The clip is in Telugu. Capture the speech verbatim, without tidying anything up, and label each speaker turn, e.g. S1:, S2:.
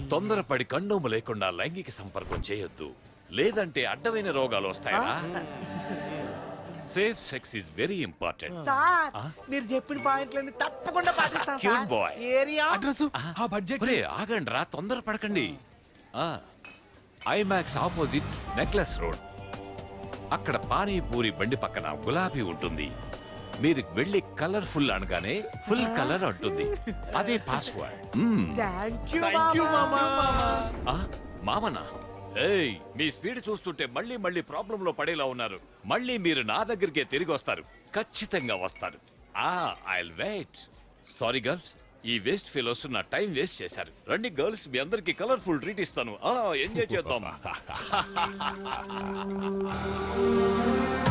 S1: తొందరపడి కండోము లేకుండా లైంగిక సంపర్కం చేయొద్దు, లేదంటే అడ్డమైన రోగాలు వస్తాయా. Safe sex is very important.
S2: Sir మీరు చెప్పిన పాయింట్లన్నీ తప్పకుండా పాటిస్తాం
S1: Cute
S2: sir.
S1: boy.
S2: Area
S3: address ఆ బడ్జెట్
S1: ఒరే ఆగండి రా, తొందర పడకండి. ఐమాక్స్ ఆపోజిట్ నెక్లెస్ రోడ్, అక్కడ పానీపూరి బండి పక్కన గులాబీ ఉంటుంది. మీరు వెళ్ళి కలర్ఫుల్ అనగానే ఫుల్ కలర్ అంటుంది, అదే పాస్వర్డ్.
S2: థ్యాంక్ యూ మామా.
S1: మామనా? ఏయ్, మీ స్పీడ్ చూస్తుంటే మళ్ళీ మళ్ళీ ప్రాబ్లం లో పడేలా ఉన్నారు. మళ్ళీ మీరు నా దగ్గరికే తిరిగి వస్తారు, ఖచ్చితంగా వస్తారు. ఆ I will wait. Sorry girls, ఈ వేస్ట్ ఫెలోస్ నా టైం వేస్ట్ చేశారు. రండి గర్ల్స్, మీ అందరికి కలర్ఫుల్ ట్రీట్ ఇస్తాను. ఆ ఎంజాయ్ చేద్దాం.